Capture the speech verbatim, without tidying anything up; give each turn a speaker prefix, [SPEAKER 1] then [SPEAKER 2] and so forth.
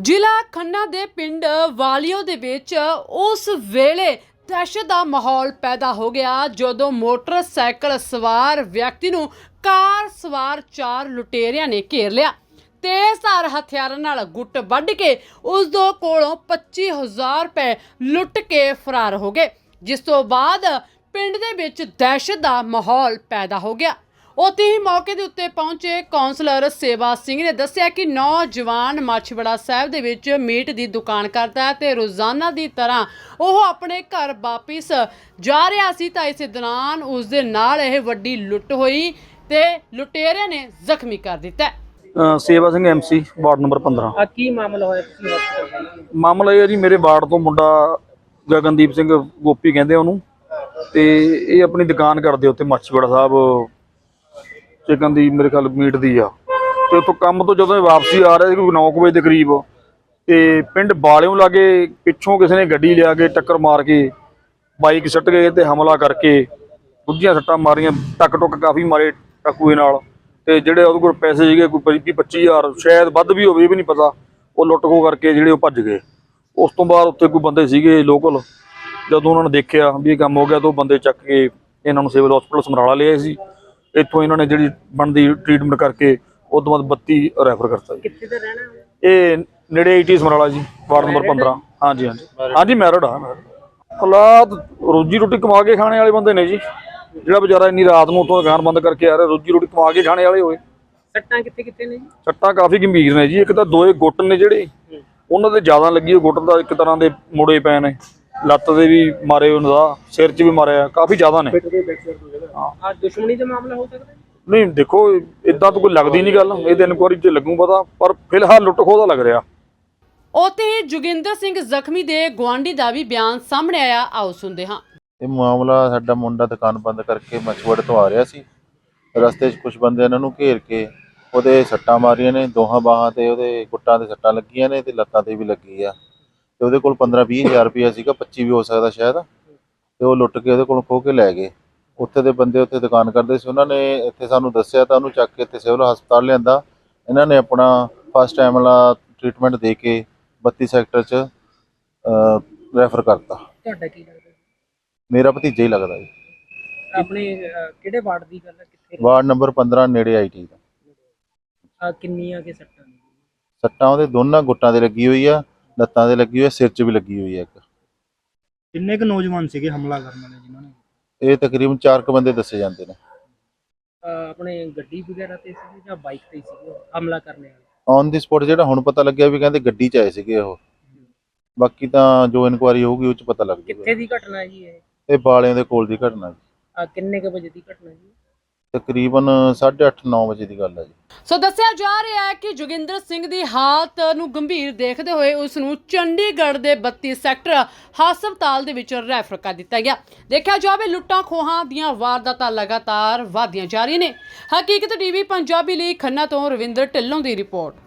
[SPEAKER 1] ਜ਼ਿਲ੍ਹਾ ਖੰਨਾ ਦੇ ਪਿੰਡ ਵਾਲੀਓ ਦੇ ਵਿੱਚ ਉਸ ਵੇਲੇ ਦਹਿਸ਼ਤ ਦਾ ਮਾਹੌਲ ਪੈਦਾ ਹੋ ਗਿਆ ਜਦੋਂ ਮੋਟਰਸਾਈਕਲ ਸਵਾਰ ਵਿਅਕਤੀ ਨੂੰ ਕਾਰ ਸਵਾਰ ਚਾਰ ਲੁਟੇਰਿਆਂ ਨੇ ਘੇਰ ਲਿਆ। ਤੇਜ਼ਧਾਰ ਹਥਿਆਰਾਂ ਨਾਲ ਗੁੱਟ ਵੱਢ ਕੇ ਉਸ ਦੇ ਕੋਲੋਂ ਪੱਚੀ ਹਜ਼ਾਰ ਰੁਪਏ ਲੁੱਟ ਕੇ ਫਰਾਰ ਹੋ ਗਏ, ਜਿਸ ਤੋਂ ਬਾਅਦ ਪਿੰਡ ਦੇ ਵਿੱਚ ਦਹਿਸ਼ਤ ਦਾ ਮਾਹੌਲ ਪੈਦਾ ਹੋ ਗਿਆ। ਉੱਥੇ ਹੀ ਮੌਕੇ ਦੇ ਉੱਤੇ ਪਹੁੰਚੇ ਕੌਂਸਲਰ ਸੇਵਾ ਸਿੰਘ ਨੇ ਦੱਸਿਆ ਕਿ ਨੌਜਵਾਨ ਮਾਛੀਵਾੜਾ ਸਾਹਿਬ ਦੇ ਵਿੱਚ ਮੀਟ ਦੀ ਦੁਕਾਨ ਕਰਦਾ ਹੈ ਤੇ ਰੋਜ਼ਾਨਾ ਦੀ ਤਰ੍ਹਾਂ ਉਹ ਆਪਣੇ ਘਰ ਵਾਪਿਸ ਜਾ ਰਿਹਾ ਸੀ ਤਾਂ ਇਸੇ ਦੌਰਾਨ ਉਸ ਦੇ ਨਾਲ ਇਹ ਵੱਡੀ ਲੁੱਟ ਹੋਈ ਤੇ ਲੁਟੇਰਿਆਂ ਨੇ ਜ਼ਖਮੀ ਕਰ ਦਿੱਤਾ।
[SPEAKER 2] ਅ, ਸੇਵਾ ਸਿੰਘ ਐਮਸੀ ਵਾਰਡ ਨੰਬਰ ਪੰਦਰਾਂ।
[SPEAKER 3] ਆ ਕੀ ਮਾਮਲਾ ਹੋਇਆ ਤੁਸੀਂ ਹਸਪਤਾਲ?
[SPEAKER 2] ਮਾਮਲਾ ਇਹ ਹੈ ਜੀ, ਮੇਰੇ ਵਾਰਡ ਤੋਂ ਮੁੰਡਾ ਗਗਨਦੀਪ ਸਿੰਘ ਗੋਪੀ ਕਹਿੰਦੇ ਉਹਨੂੰ, ਤੇ ਇਹ ਆਪਣੀ ਦੁਕਾਨ ਕਰਦੇ ਉੱਥੇ ਮਾਛੀਵਾੜਾ ਸਾਹਿਬ ਚਿਕਨ ਦੀ, ਮੇਰੇ ਖਿਆਲ ਮੀਟ ਦੀ ਆ। ਤੇ ਉੱਥੋਂ ਕੰਮ ਤੋਂ ਜਦੋਂ ਇਹ ਵਾਪਸੀ ਆ ਰਿਹਾ ਸੀ ਕੋਈ ਨੌ ਕੁ ਵਜੇ ਦੇ ਕਰੀਬ, ਤੇ ਪਿੰਡ ਬਾਲਿਓਂ ਲਾਗੇ ਪਿੱਛੋਂ ਕਿਸੇ ਨੇ ਗੱਡੀ ਲਿਆ ਕੇ ਟੱਕਰ ਮਾਰ ਕੇ ਬਾਈਕ ਸੁੱਟ ਗਏ ਤੇ ਹਮਲਾ ਕਰਕੇ ਦੂਜੀਆਂ ਸੱਟਾਂ ਮਾਰੀਆਂ, ਟੱਕ ਟੁੱਕ ਕਾਫੀ ਮਾਰੇ ਟਕੂਏ ਨਾਲ। ਤੇ ਜਿਹੜੇ ਉਹਦੇ ਕੋਲ ਪੈਸੇ ਸੀਗੇ ਕੋਈ ਵੀਹ ਪੱਚੀ ਹਜ਼ਾਰ, ਸ਼ਾਇਦ ਵੱਧ ਵੀ ਹੋਵੇ, ਇਹ ਵੀ ਨਹੀਂ ਪਤਾ, ਉਹ ਲੁੱਟ ਖੋਹ ਕਰਕੇ ਜਿਹੜੇ ਉਹ ਭੱਜ ਗਏ। ਉਸ ਤੋਂ ਬਾਅਦ ਉੱਥੇ ਕੋਈ ਬੰਦੇ ਸੀਗੇ ਲੋਕਲ, ਜਦੋਂ ਉਹਨਾਂ ਨੇ ਦੇਖਿਆ ਵੀ ਇਹ ਕੰਮ ਹੋ ਗਿਆ ਤਾਂ ਉਹ ਬੰਦੇ ਚੱਕ ਕੇ ਇਹਨਾਂ ਨੂੰ ਸਿਵਲ ਹਸਪਤਾਲ ਸਮਰਾਲਾ ਲਿਆਏ ਸੀ। ਇੱਥੋਂ ਇਹਨਾਂ ਨੇ ਜਿਹੜੀ ਬਣਦੀ ਟ੍ਰੀਟਮੈਂਟ ਕਰਕੇ ਉਸ ਤੋਂ ਬਾਅਦ ਬੱਤੀ ਰੈਫਰ ਕਰਤਾ ਜੀ।
[SPEAKER 3] ਕਿੱਥੇ ਦਾ ਰਹਿਣਾ?
[SPEAKER 2] ਇਹ ਨੇੜੇ ਆਈਟੀ ਸਮਰਾਲਾ ਜੀ, ਵਾਰਡ ਨੰਬਰ ਪੰਦਰਾਂ। ਹਾਂਜੀ ਹਾਂਜੀ ਹਾਂਜੀ ਮੈਰਿਡ ਆ। ਹਾਲਾਤ ਰੋਜੀ ਰੋਟੀ ਕਮਾ ਕੇ ਖਾਣੇ ਵਾਲੇ ਬੰਦੇ ਨੇ ਜੀ। ਜਿਹੜਾ ਵਿਚਾਰਾ ਇੰਨੀ ਰਾਤ ਨੂੰ ਉੱਥੋਂ ਦੁਕਾਨ ਬੰਦ ਕਰਕੇ ਆ ਰਿਹਾ, ਰੋਜੀ ਰੋਟੀ ਕਮਾ ਕੇ ਖਾਣੇ ਵਾਲੇ ਹੋਏ।
[SPEAKER 3] ਸੱਟਾਂ ਕਿੱਥੇ ਕਿੱਥੇ ਨੇ ਜੀ?
[SPEAKER 2] ਸੱਟਾਂ ਕਾਫੀ ਗੰਭੀਰ ਨੇ ਜੀ। ਇੱਕ ਤਾਂ ਦੋਏ ਗੁੱਟ ਨੇ ਜਿਹੜੇ ਉਹਨਾਂ ਦੇ ਜ਼ਿਆਦਾ ਲੱਗੀ, ਉਹ ਗੁੱਟ ਦਾ ਇੱਕ ਤਰ੍ਹਾਂ ਦੇ ਮੁੜੇ ਪਏ ਨੇ, ਲੱਤ ਦੇ ਵੀ ਮਾਰੇ, ਉਹਨਾਂ ਦਾ ਸਿਰ 'ਚ ਵੀ ਮਾਰਿਆ, ਕਾਫੀ ਜ਼ਿਆਦਾ ਨੇ।
[SPEAKER 3] ਆ ਦੁਸ਼ਮਣੀ ਦਾ ਮਾਮਲਾ ਹੋ ਸਕਦਾ?
[SPEAKER 2] ਨਹੀਂ ਦੇਖੋ, ਇਦਾਂ ਤਾਂ ਕੋਈ ਲੱਗਦੀ ਨਹੀਂ ਗੱਲ, ਇਹਦੇ ਇਨਕੁਆਰੀ 'ਚ ਲੱਗੂ ਪਤਾ, ਪਰ ਫਿਲਹਾਲ ਲੁੱਟ ਖੋਹ ਦਾ ਲੱਗ ਰਿਹਾ।
[SPEAKER 1] ਉੱਥੇ ਹੀ ਜੋਗਿੰਦਰ ਸਿੰਘ ਜ਼ਖਮੀ ਦੇ ਗੁਆਂਢੀ ਦਾ ਵੀ ਬਿਆਨ ਸਾਹਮਣੇ ਆਇਆ, ਆਓ ਸੁਣਦੇ ਹਾਂ।
[SPEAKER 4] ਇਹ ਮਾਮਲਾ ਸਾਡਾ ਮੁੰਡਾ ਦੁਕਾਨ ਬੰਦ ਕਰਕੇ ਮਾਛੀਵਾੜੇ ਤੋਂ ਆ ਰਿਹਾ ਸੀ। ਰਸਤੇ 'ਚ ਕੁਝ ਬੰਦੇ ਇਹਨਾਂ ਨੂੰ ਘੇਰ ਕੇ ਉਹਦੇ ਸੱਟਾਂ ਮਾਰੀਆਂ ਨੇ, ਦੋਹਾਂ ਬਾਹਾਂ ਤੇ ਉਹਦੇ ਗੁੱਟਾਂ ਤੇ ਸੱਟਾਂ ਲੱਗੀਆਂ ਨੇ ਤੇ ਲੱਤਾਂ ਤੇ ਵੀ ਲੱਗੀ ਆ। ਤੇ ਉਹਦੇ ਕੋਲ ਪੰਦਰਾਂ ਵੀਹ ਹਜ਼ਾਰ ਰੁਪਇਆ ਸੀਗਾ, ਪੱਚੀ ਵੀ ਹੋ ਸਕਦਾ ਸ਼ਾਇਦ, ਤੇ ਉਹ ਲੁੱਟ ਕੇ ਉਹਦੇ ਕੋਲੋਂ ਖੋਹ ਕੇ ਲੈ ਗਏ। ਉੱਥੇ ਦੇ ਬੰਦੇ ਉੱਥੇ ਦੁਕਾਨ ਕਰਦੇ ਸੀ, ਉਹਨਾਂ ਨੇ ਇੱਥੇ ਸਾਨੂੰ ਦੱਸਿਆ ਤਾਂ ਉਹਨੂੰ ਚੱਕ ਕੇ ਇੱਥੇ ਸਿਵਲ ਹਸਪਤਾਲ ਲਿਆਂਦਾ। ਇਹਨਾਂ ਨੇ ਆਪਣਾ ਫਸਟ ਟਾਈਮ ਵਾਲਾ ਟ੍ਰੀਟਮੈਂਟ ਦੇ ਕੇ ਬੱਤੀ ਸੈਕਟਰ 'ਚ ਰੈਫਰ ਕਰਤਾ।
[SPEAKER 3] ਤੁਹਾਡਾ ਕੀ ਲੱਗਦਾ?
[SPEAKER 4] ਮੇਰਾ ਭਤੀਜਾ ਹੀ ਲੱਗਦਾ ਜੀ।
[SPEAKER 3] ਆਪਣੇ ਅਹ, ਕਿਹੜੇ ਵਾਰਡ ਦੀ ਗੱਲ ਹੈ? ਕਿੱਥੇ?
[SPEAKER 4] ਵਾਰਡ ਨੰਬਰ ਪੰਦਰਾਂ ਨੇੜੇ ਆਈ ਟੀ ਦਾ।
[SPEAKER 3] ਆ ਕਿੰਨੀਆਂ ਕੇ ਸੱਟਾਂ ਨੇ?
[SPEAKER 4] ਸੱਟਾਂ ਉਹਦੇ ਦੋਨਾਂ ਗੁੱਟਾਂ ਤੇ ਲੱਗੀ ਹੋਈ ਆ, ਲੱਤਾਂ ਤੇ ਲੱਗੀ ਹੋਈ ਆ, ਸਿਰ 'ਚ ਵੀ ਲੱਗੀ ਹੋਈ ਆ। ਇੱਕ
[SPEAKER 5] ਕਿੰਨੇ ਕੁ ਨੌਜਵਾਨ ਸੀਗੇ ਹਮਲਾ ਕਰਨ ਵਾਲੇ ਜਿਨ੍ਹਾਂ ਨੇ?
[SPEAKER 4] ਇਹ ਤਕਰੀਬਨ ਚਾਰ ਕੁ ਬੰਦੇ ਦੱਸੇ ਜਾਂਦੇ ਨੇ।
[SPEAKER 3] ਅਹ, ਆਪਣੇ ਗੱਡੀ ਵਗੈਰਾ ਤੇ ਸੀਗੇ ਜਾਂ ਬਾਈਕ ਤੇ ਸੀਗੇ ਹਮਲਾ ਕਰਨੇ ਵਾਲੇ?
[SPEAKER 4] ਔਨ ਦੀ ਸਪੋਟ ਜਿਹੜਾ ਹੁਣ ਪਤਾ ਲੱਗਿਆ ਵੀ ਕਹਿੰਦੇ ਗੱਡੀ 'ਚ ਆਏ ਸੀਗੇ ਉਹ। ਬਾਕੀ ਤਾਂ ਜੋ ਇਨਕੁਆਰੀ ਹੋਊਗੀ ਉਹ 'ਚ ਪਤਾ ਲੱਗ
[SPEAKER 3] ਕਿੱਥੇ
[SPEAKER 4] ਜਾਊਗਾ।
[SPEAKER 3] ਦੀ ਘਟਨਾ ਹੈ ਜੀ ਇਹ?
[SPEAKER 4] ਇਹ ਬਾਲਿਆਂ ਦੇ ਕੋਲ ਦੀ ਘਟਨਾ ਜੀ।
[SPEAKER 3] ਆ ਕਿੰਨੇ ਕੁ ਵਜੇ ਦੀ ਘਟਨਾ ਜੀ?
[SPEAKER 4] ਤਕਰੀਬਨ ਸਾਢੇ ਅੱਠ ਨੌ ਵਜੇ ਦੀ ਗੱਲ ਹੈ ਜੀ।
[SPEAKER 1] ਸੋ ਦੱਸਿਆ ਜਾ ਰਿਹਾ ਹੈ ਕਿ ਜੋਗਿੰਦਰ ਸਿੰਘ ਦੀ ਹਾਲਤ ਨੂੰ ਗੰਭੀਰ ਦੇਖਦੇ ਹੋਏ ਉਸ ਨੂੰ ਚੰਡੀਗੜ੍ਹ ਦੇ ਬੱਤੀ ਸੈਕਟਰ ਹਸਪਤਾਲ ਦੇ ਵਿੱਚ ਰੈਫਰ ਕਰ ਦਿੱਤਾ ਗਿਆ। ਦੇਖਿਆ ਜਾਵੇ ਲੁੱਟਾਂ ਖੋਹਾਂ ਦੀਆਂ ਵਾਰਦਾਤਾਂ ਲਗਾਤਾਰ ਵਧਦੀਆਂ ਜਾ ਰਹੀਆਂ ਨੇ। ਹਕੀਕਤ ਟੀਵੀ ਪੰਜਾਬੀ ਲਈ ਖੰਨਾ ਤੋਂ ਰਵਿੰਦਰ ਢਿੱਲੋਂ ਦੀ ਰਿਪੋਰਟ।